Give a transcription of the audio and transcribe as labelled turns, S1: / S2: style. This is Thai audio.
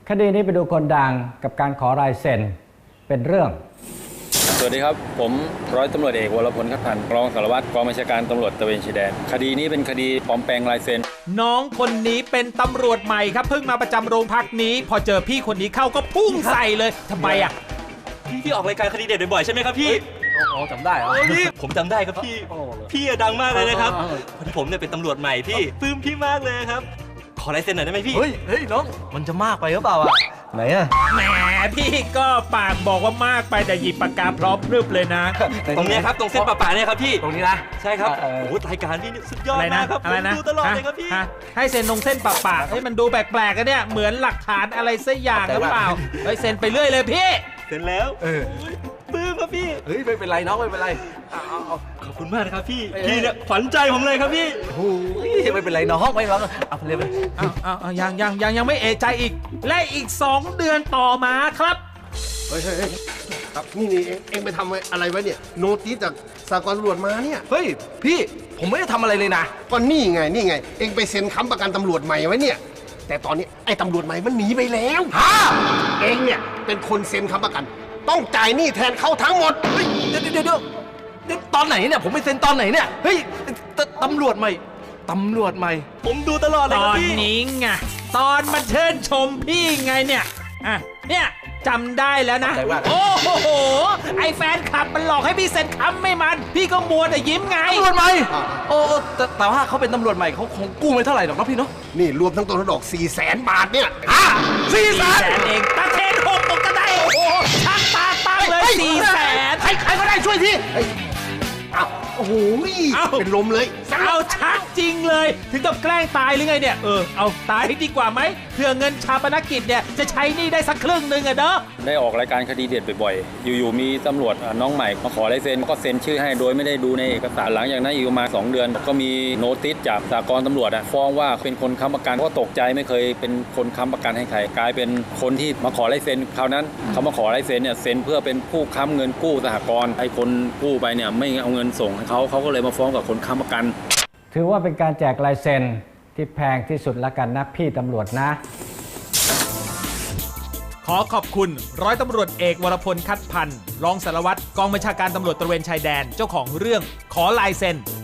S1: คดีนี้ไปดูคนดังกับการขอลายเซ็นเป็นเรื่อง
S2: สวัสดีครับผมร้อยตำรวจเอกวรพล คัดพันธ์รองสารวัตรกองบัญชาการตำรวจตระเวนชายแดนคดีนี้เป็นคดีปลอมแปลงลายเซ็น
S3: น้องคนนี้เป็นตำรวจใหม่ครับเพิ่งมาประจำโรงพักนี้ พอเจอพี่คนนี้เข้าก็พุ่งใส่เลยทำไมอ่ะ
S4: พี่ออกรายการคดีเด็ดบ่อยๆใช่ไหมครับพี่
S5: จำได้เหรอ
S4: พี่ผมจำได้ครับพี่ดังมากเลยนะครับพอดีผมเนี่ยเป็นตำรวจใหม่พี่ปลื้มพี่มากเลยครับขอลายเซ็นหน่อยได้ไหมพี่
S5: เฮ้ยน้องมันจะมากไปหรือเปล่าอ่ะไหนอ่ะ
S3: แหมพี่ก็ปากบอกว่ามากไปแต่หยิบปากกาพร้อมพรึบเลยนะ
S4: ตรงนี้ครับตรงเส้นป่าๆเนี่ยครับพี่
S5: ตรงนี้นะ
S4: ใช่ครับโอ้โหรายการพี่นี่สุดยอดมากครับผมดูตลอดเลยครับพี่
S3: ให้เซ็นตรงเส้นป่าๆให้มันดูแปลกๆกันเนี่ยเหมือนหลักฐานอะไรสักอย่างหรือเปล่าเฮ้ยเซ็นไปเรื่อยเลยพี่
S4: เซ็นแล้วปลื้มครับพี่
S5: เฮ้ยไม่เป็นไรน้องไม่เป็นไร
S4: เอาขอบคุณมากนะครับพี่เนี่ยขวัญใจผมเลยครับพี่
S5: โอ้ยไม่เป็นไรน้องไม่เป็นไรเอาไปเลยไป
S3: ยังไม่เอะใจอีกและอีก2 เดือนต่อมาครับ
S6: เฮ้ยครับนี่เองไปทำอะไรไว้เนี่ยโน้ติสจากสากลตำรวจมาเนี่ย
S5: เฮ้ยพี่ผมไม่ได้ทำอะไรเลยนะ
S6: ก็นี่ไงเองไปเซ็นค้ำประกันตำรวจใหม่ไว้เนี่ยแต่ตอนนี้ไอ้ตำรวจใหม่มันหนีไปแล้วเองเนี่ยเป็นคนเซ็นค้ำประกันต้องจ่ายหนี้แทนเขาทั้งหมด
S5: เฮ้ยเดี๋ยวตอนไหนเนี่ยผมไปเซ็นตอนไหนเนี่ยเฮ้ยตำรวจใหม่
S4: ผมดูตลอดเลยครับพี่
S3: ตอนนี้ไงตอนมาเชิญชมพี่ไงเนี่ยเนี่ยจำได้แล้วนะโอ้โหไอแฟนคลับมันหลอกให้พี่เซ็นค้ำไม่มันพี่ก็มัวแต่ยิ้มไง
S5: ตำรวจใหม่โอ้แต่ว่าเขาเป็นตำรวจใหม่เขาคงกู้ไม่เท่าไหร่หรอกนะพี่เนาะ
S6: นี่รวมทั้งต้นทั้งดอก400,000 บาทเนี่ย
S3: 400,000เองตาเทน6ตกก็ได้โอ้โหช่างตาตั้งเลย400,000
S6: ใครก็ได้ช่วยทีโอ้โหเป็นลมเลย
S3: เอาชักจริงเลยถึงกับแกล้งตายหรือไงเนี่ยเอาตายดีกว่าไหมเพื่อเงินชาปนกิจเนี่ยจะใช้หนี้ได้สักครึ่งนึงอะเด้อ
S2: ได้ออกรายการคดีเด็ดบ่อยๆอยู่ๆมีตำรวจน้องใหม่มาขอลายเซ็นก็เซ็นชื่อให้โดยไม่ได้ดูในเอกสารหลังจากนั้นอีกประมาณ2 เดือนก็มีโน้ติสจากสากลตำรวจฟ้องว่าเป็นคนค้ำประกันก็ตกใจไม่เคยเป็นคนค้ำประกันให้ใครกลายเป็นคนที่มาขอลายเซ็นคราวนั้นเขามาขอลายเซ็นเนี่ยเซ็นเพื่อเป็นผู้ค้ำเงินกู้สหกรณ์ไอ้คนกู้ไปเนี่ยไม่เอาเงินส่งให้เขาก็เลยมาฟ้องกับคนค้ำประกัน
S1: ถือว่าเป็นการแจกลายเซ็นที่แพงที่สุดละกันนะพี่ตำรวจนะ
S3: ขอขอบคุณร้อยตำรวจเอกวรพล คัดพันธ์รองสารวัตรกองบัญชาการตำรวจตระเวนชายแดนเจ้าของเรื่องขอลายเซ็น